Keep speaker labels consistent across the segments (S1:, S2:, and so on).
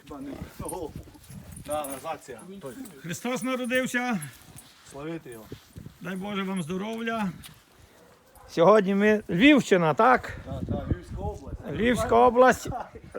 S1: хіба не назація.
S2: Христос народився.
S1: Славити його.
S2: Дай Боже вам здоров'я. Сьогодні ми Львівщина, так?
S1: Так, Львівська область.
S2: Львівська область.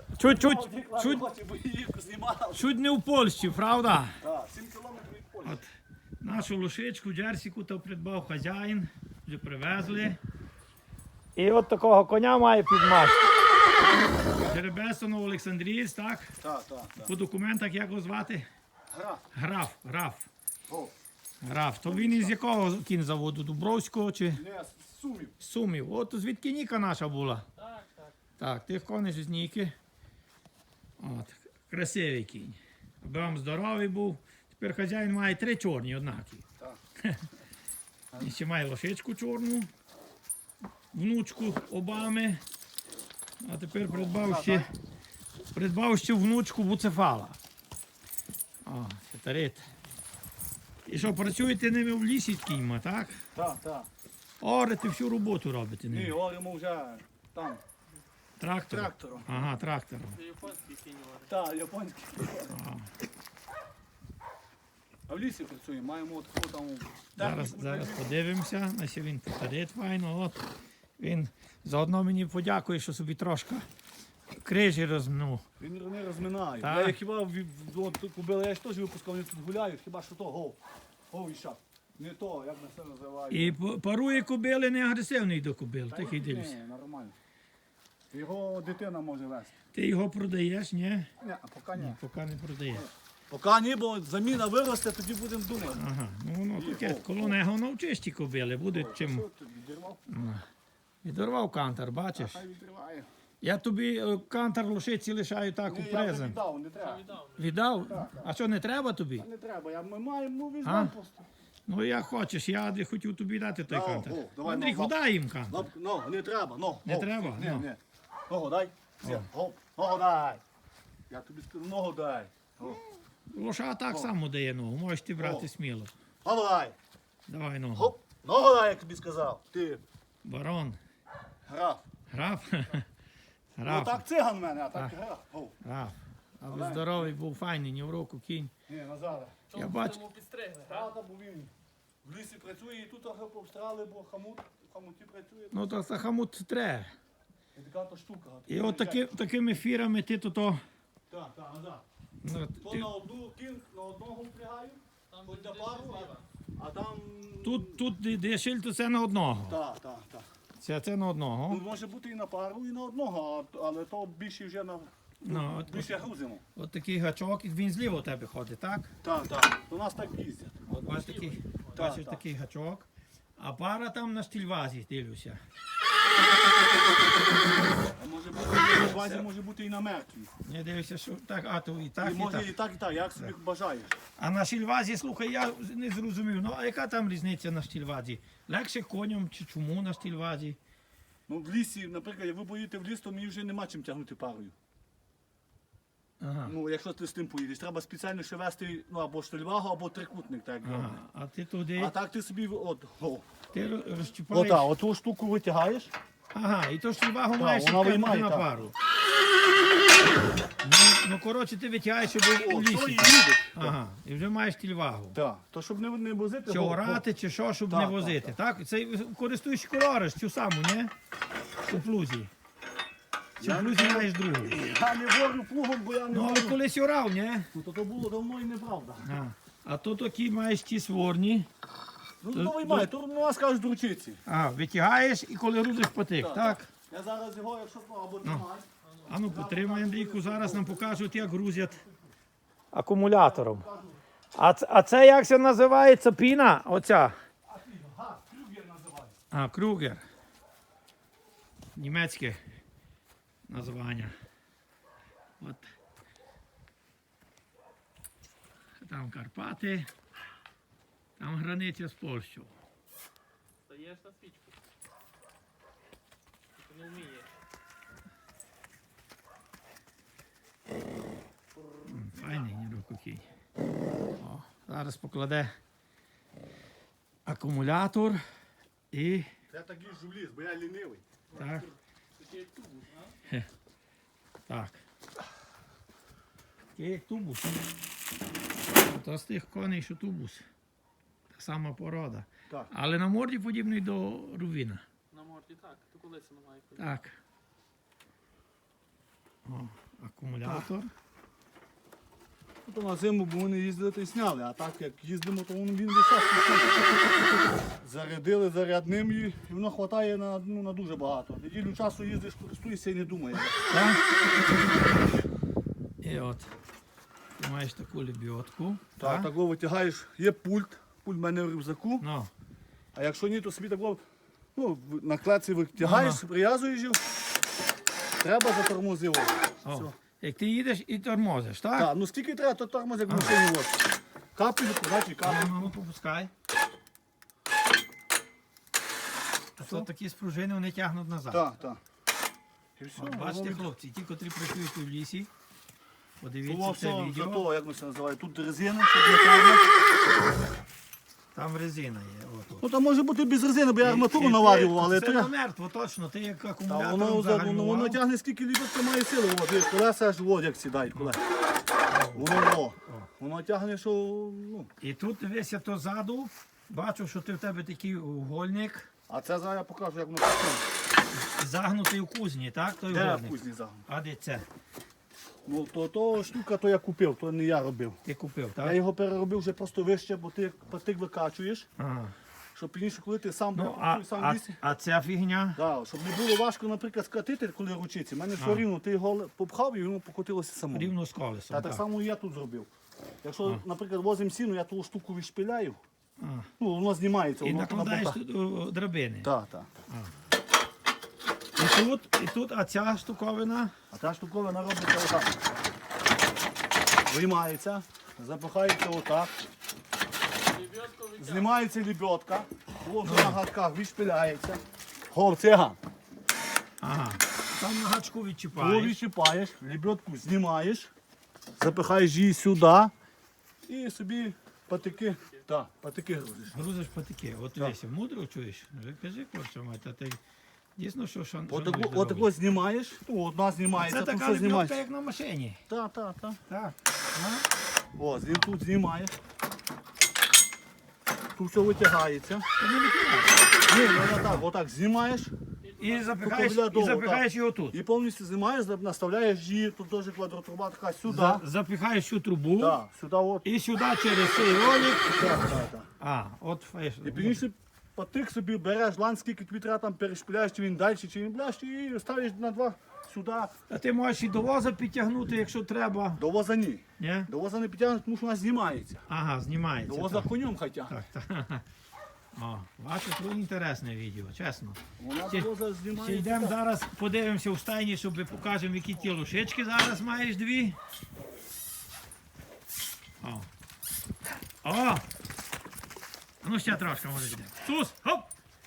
S2: Чуть не в Польщі, правда?
S1: Так, 7 кілометрів від Польщі.
S2: От нашу лошичку, джерсіку, то придбав хазяїн, вже привезли. І от такого коня має підмашку. Жеребесонов Олександрієць, так?
S1: Так.
S2: По документах як його звати? Граф.
S1: О.
S2: Граф. То він із якого кінзаводу? Дубровського чи?
S1: Не, Сумів.
S2: Сумів. От звідки Ніка наша була? Так. Так, тих коней з Ніки. От. Красивий кінь. Аби вам здоровий був. Тепер хазяїн має 3 чорні однакі.
S1: Так.
S2: І ще має лошичку чорну, внучку Обами. А тепер придбав ще внучку Буцефала. О, фетарит. І що, працюєте ними в лісі кіньма, так?
S1: Так.
S2: Орете всю роботу робите
S1: Ні,
S2: ними.
S1: говоримо вже там. Трактором.
S2: Ага, трактором.
S1: Так, японський.
S2: А.
S1: А в лісі працюємо, маємо таку там...
S2: Зараз подивимося, ось він фетарит файно. От. Він заодно мені подякує, що собі трошки крижі розмнув.
S1: Він не розминає.
S2: Так.
S1: Я хіба кубили, я ж теж випускав, вони тут гуляють, хіба що то гов і шаг. Не то, як на це називають.
S2: І парує кобили, не агресивний до кобил, такий дивлюся.
S1: Ні, нормально. Його дитина може вести.
S2: Ти його продаєш, ні?
S1: Ні, а поки ні.
S2: Поки не продаєш.
S1: Поки ні, бо заміна виросте, тоді будемо думати.
S2: Ага, ну воно таке, коло нього навчиш ті кобили, буде чим.
S1: Що ти відірвав?
S2: Відорвав кантар, бачиш?
S1: Хай відриває.
S2: Я тобі кантар лошиці лишаю так у
S1: Ні, я вже
S2: презент.
S1: віддав, не треба.
S2: Віддав? А що, не треба тобі?
S1: Не треба, ми маємо,
S2: А?
S1: візьмемо просто.
S2: Ну як хочеш, я Андрій хотів тобі дати той
S1: Да,
S2: кантар.
S1: о, давай,
S2: Андрій,
S1: ну,
S2: дай їм кантар.
S1: Не треба,
S2: Не треба?
S1: Ні,
S2: Ну.
S1: ні. Ногу дай. Все, гоп, ногу дай. Я тобі скажу, ногу дай. О,
S2: Лоша так само дає ногу, можеш ти брати
S1: О.
S2: сміло.
S1: Ногу дай.
S2: Давай ногу.
S1: Гоп, ногу дай, як тобі сказав. Ти
S2: Барон.
S1: граф.
S2: Граф?
S1: Ну
S2: Граф.
S1: так циган в мене, а так граф. О,
S2: Граф. Аби здоровий був, файний, ні в року кінь.
S1: ні, Назаре.
S2: Я бачу.
S1: Правда, бо він в лісі працює і тут трохи повстрали, бо в хамуті працює.
S2: Ну то хамут треба.
S1: І така то штука.
S2: І от такими фірами ти то.
S1: Так, назад.
S2: Ну,
S1: То
S2: ти-
S1: на одну на одного впрягаю, хоч на пару, а там...
S2: Тут де шиль, то це на одного.
S1: Так.
S2: Це на одного.
S1: Ну, може бути і на пару, і на одного, але то більше вже на...
S2: Ну,
S1: більше грузимо.
S2: От такий гачок, і він зліва у тебе ходить, так?
S1: Так. У нас так їздять.
S2: От бачиш
S1: так.
S2: такий гачок. А пара там на штільвазі, дивлюся.
S1: А може бути на базі, може бути і на мертвій.
S2: Я дивлюся, що так, а то і так,
S1: І
S2: і
S1: може
S2: так.
S1: і так, як собі бажаєш.
S2: А на штільвазі, слухай, я не зрозумів, ну а яка там різниця на штільвазі? Легше коням чи чому на штільвазі?
S1: Ну в лісі, наприклад, як ви поїдете в ліс, то мені вже нема чим тягнути парою.
S2: Ага.
S1: Ну, якщо ти з тим поїдеш, треба спеціально ще вести або штольвагу, або трикутник. Так,
S2: Ага. А ти туди,
S1: А так ти собі
S2: ти розчіпаєш.
S1: оту штуку витягаєш.
S2: Ага, і то штільвагу маєш
S1: вона
S2: відкинути
S1: виймає,
S2: на
S1: так.
S2: пару. Ну, коротше, ти витягаєш, щоб у
S1: То і
S2: лісі.
S1: їдеш.
S2: Ага, і вже маєш штільвагу.
S1: Так, то щоб не возити.
S2: Чи орати, чи що, щоб
S1: Так,
S2: не
S1: так,
S2: возити. Так? Це користуєш колориш, цю саму, ні? У плузі. Чи в плузі маєш другу?
S1: Я не ворю плугом, бо я не
S2: Ну, але
S1: ворю.
S2: колись орав, ні?
S1: Ну, то було давно і неправда.
S2: А то такі маєш ті сворні.
S1: Ну, то виймай, то у нас кажуть дручиці.
S2: А, витягаєш і коли грузиш потик,
S1: Так,
S2: так?
S1: Я зараз його, якщо або тримай.
S2: А ну потримай, Андрійку, зараз нам покажуть, як грузять. Акумулятором. А це як це називається піна? Оця?
S1: Крюгер називається.
S2: А, Крюгер. Німецьке названня. От. Там Карпати, там границя з Польщею.
S3: Стаєш на свічку. Ти не вмієш.
S2: Файний нірококій. О, зараз покладе акумулятор і
S1: Я так їжджу в ліс, бо я лінивий.
S2: так. Так. такий як тубус. То з тих коней, що тубус. Та сама порода.
S1: Так.
S2: Але на морді подібний до рувіна.
S3: На морді так, то коли це немає.
S2: Так. О, акумулятор.
S1: То на зиму, бо вони їздили, то й сняли, а так як їздимо, то він весь час зарядили зарядним і воно вистачає на дуже багато. Неділю часу їздиш, користуєшся і не думаєш.
S2: Так? І от. Ти маєш таку лебідку.
S1: Так, так витягаєш, є пульт в мене в рюкзаку,
S2: Ну,
S1: а якщо ні, то собі так на клеці витягаєш, прив'язуєш його, треба затормозив.
S2: о, як ти їдеш і тормозиш, так?
S1: Так, ну скільки треба, то тормоз, як в машині. От. Капель, значить капель.
S2: Ну, попускай. А то такі спружини вони тягнуть назад.
S1: Так, так. І все,
S2: От, бачите,
S1: воно-
S2: хлопці, ті, котрі працюють в лісі,
S1: Було
S2: подивіться
S1: все
S2: це
S1: за
S2: відео.
S1: того, як ми це називаємо. Тут резина, щоб не тягне.
S2: Там резина є. Отут.
S1: Ну там може бути без резини, бо я арматуру
S2: І
S1: наварював, але
S2: це
S1: то
S2: не
S1: я...
S2: мертво, точно. Ти як
S1: Та
S2: акумулятором
S1: воно
S2: загальмував.
S1: тягне скільки ліберка має сили. От, і колеса аж от як сідають колеса. Воно тягне, що... Ну.
S2: І тут дивися, то ззаду, бачу, що ти в тебе такий угольник,
S1: А це зараз я покажу, як воно працює.
S2: загнутий у кузні, так? Той
S1: Де
S2: угольник.
S1: кузні загон?
S2: А де це?
S1: Ну то штука, то я купив, то не я робив.
S2: Ти купив,
S1: Я
S2: так?
S1: його переробив вже просто вище, бо ти патик викачуєш,
S2: Ага.
S1: щоб пізніше, коли ти сам
S2: Ну,
S1: сам в
S2: а,
S1: лісі.
S2: а ця фігня?
S1: Да, щоб не було важко, наприклад, скатити, коли ручиці. У мене все рівно, ти його попхав і воно покотилося само.
S2: Рівно з колесом.
S1: Та так само і я тут зробив. Якщо, наприклад, возимо сіну, я ту штуку відшпиляю,
S2: А.
S1: ну воно знімається.
S2: І
S1: Воно
S2: накладаєш
S1: на боках.
S2: тут драбини.
S1: Так, так.
S2: І тут, а ця штуковина.
S1: А та штуковина робиться отак. Виймається, запихається отак,
S3: Лебедку витягнути.
S1: знімається лебедка, ложу на гадках, відшпиляється. Циган.
S2: Ага. Там на гачку
S1: Коли
S2: відчіпаєш.
S1: відчіпаєш, лебедку знімаєш, запихаєш її сюди і собі патики, грузиш.
S2: Грузиш патики. От дивися, мудро чуєш? Вже кажи, хлопче, мать, а ти дійсно, що
S1: Отако знімаєш, ну одна знімається,
S2: Це
S1: тут
S2: така
S1: все
S2: лебедка,
S1: знімається.
S2: як на машині.
S1: Так, так, так.
S2: Так.
S1: О, тут знімаєш. Тут все витягається. Ні, ну отак знімаєш
S2: І
S1: Поки
S2: запихаєш його тут.
S1: і повністю знімаєш, наставляєш її, тут теж квадротруба така сюди.
S2: Запихаєш цю трубу
S1: Так, сюди от.
S2: і сюди через цей ролик.
S1: Так, так, так.
S2: А, от фейш.
S1: І пізніше патик собі береш лан, скільки тобі треба там перешпиляєш, чи він далі, чи він ближче, і ставиш на два сюди.
S2: А ти можеш і до воза підтягнути, якщо треба.
S1: До воза ні.
S2: Ні?
S1: До воза не підтягнеш, тому що вона знімається.
S2: Ага,
S1: До
S2: знімається.
S1: воза
S2: Так,
S1: конем хай тягне.
S2: так. так. О, бачиш, тут інтересне відео, чесно.
S1: Вона
S2: Ще-
S1: до воза
S2: Ще
S1: знімається.
S2: йдемо зараз, подивимося в стайні, щоб покажемо, які ті лошички зараз маєш дві. О. О! А ну ще трошки може йде. Сус! Хоп!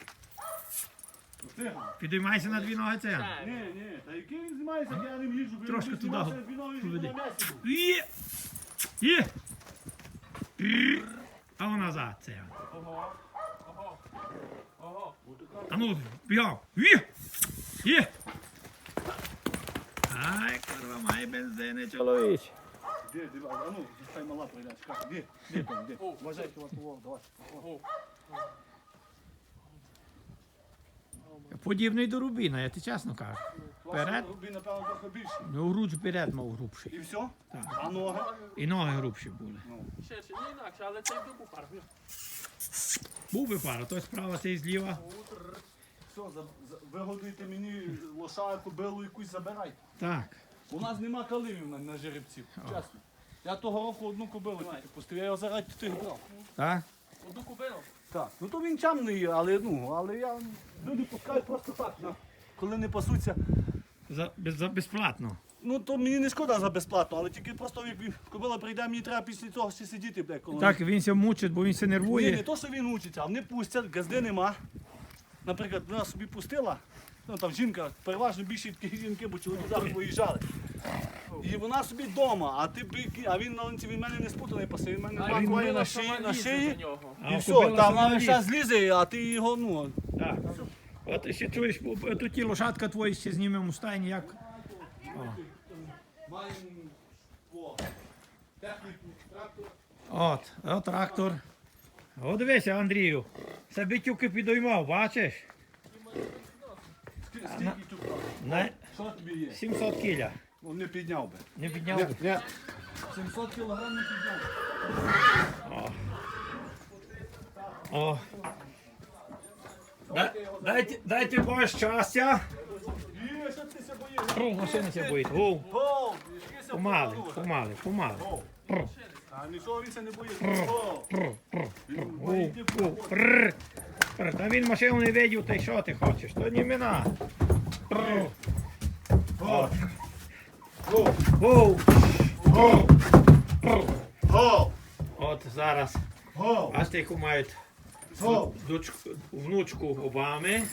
S1: Циган.
S2: Підіймайся на дві ноги це.
S1: Ні, ні, та який він знімається, я не їжджу.
S2: Трошки туди поведи.
S1: на м'ясі був.
S2: Є! Є! І! А ну назад це.
S3: Ого. Ого. Ого.
S2: А ну, бігом! Є! Є! Ай, курва, має бензини, чоловіч.
S1: Де, а ну, хай мала прийде, чекай, де там, де? Вважай, давай.
S3: Ого.
S2: Подібний до Рубіна, я ти чесно кажу. Вперед.
S1: Рубі, напевно, трохи більше.
S2: Ну, грудь вперед мав грубший.
S1: І все?
S2: Так.
S1: А ноги?
S2: І ноги грубші були.
S3: Ще не інакше, але це йду пар.
S2: Був би пара, той справа, цей зліва.
S1: Все, вигодуйте мені лоша, кобилу якусь забирайте.
S2: Так.
S1: У нас нема каливів на жеребців, чесно. Я того року одну кобилу тільки пустив, я його заради тих брав.
S2: Так?
S3: Одну купив.
S1: Так, ну то він чамний, але я люди пускають просто так, коли не пасуться.
S2: За безплатно.
S1: Ну то мені не шкода за безплатно, але тільки просто як кобила прийде, мені треба після цього ще сидіти, бля, коли.
S2: Так, він ся мучить, бо він ся
S1: Ні, не
S2: нервує.
S1: то, що він учиться, а вони пустять, газди нема. Наприклад, вона собі пустила, ну там жінка, переважно більше такі жінки, бо чоловіки зараз виїжджали. І вона собі вдома, а він на ланці, він мене не спутаний пасе, він мене бакує на шиї.
S2: А
S1: І все,
S2: кобила
S1: там
S2: сама
S1: вона
S2: лізе.
S1: ще злізе, а ти його, ну.
S2: Так. От ти ще чуєш, тут ті лошадка твої ще знімемо у стайні, як.
S1: Маємо
S2: От трактор. О, дивися, Андрію. Це битюки підіймав, бачиш?
S1: Скільки тут? Що тобі є?
S2: 700 кіля.
S1: Ну, не підняв би.
S2: Не підняв?
S1: Ні. 700 кілограм не підняв.
S2: О. Дайте Боже щастя.
S1: Є, що ти се боїш?
S2: Пру, машина ся боїть. Воу.
S1: О, ішкися
S2: Помали,
S1: вперед.
S2: помали, помали. Пру,
S1: А нічого він се не боїться.
S2: пру, пру.
S1: Він
S2: Воу,
S1: боїться.
S2: воу. Прр. Прр. Та він машину не видів, та й що ти хочеш? То не мина. Прр. От. Воу. Воу. Прр. От зараз. Бачите, яку мають внучку Обами.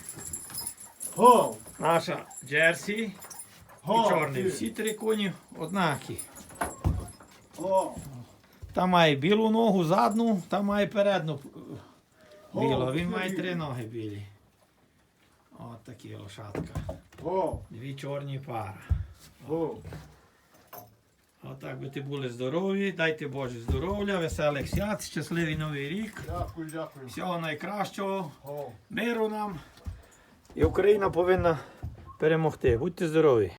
S2: Наша Джерсі і чорний. Всі три коні однакі. Там має білу ногу, задну, там має передну білу. Він має три ноги білі. От такі лошадка. Дві чорні пара. Отак би ти були здорові, дайте Боже здоров'я, веселих свят, щасливий новий рік.
S1: Дякую, дякую.
S2: Всього найкращого, миру нам. І Україна повинна перемогти. Будьте здорові!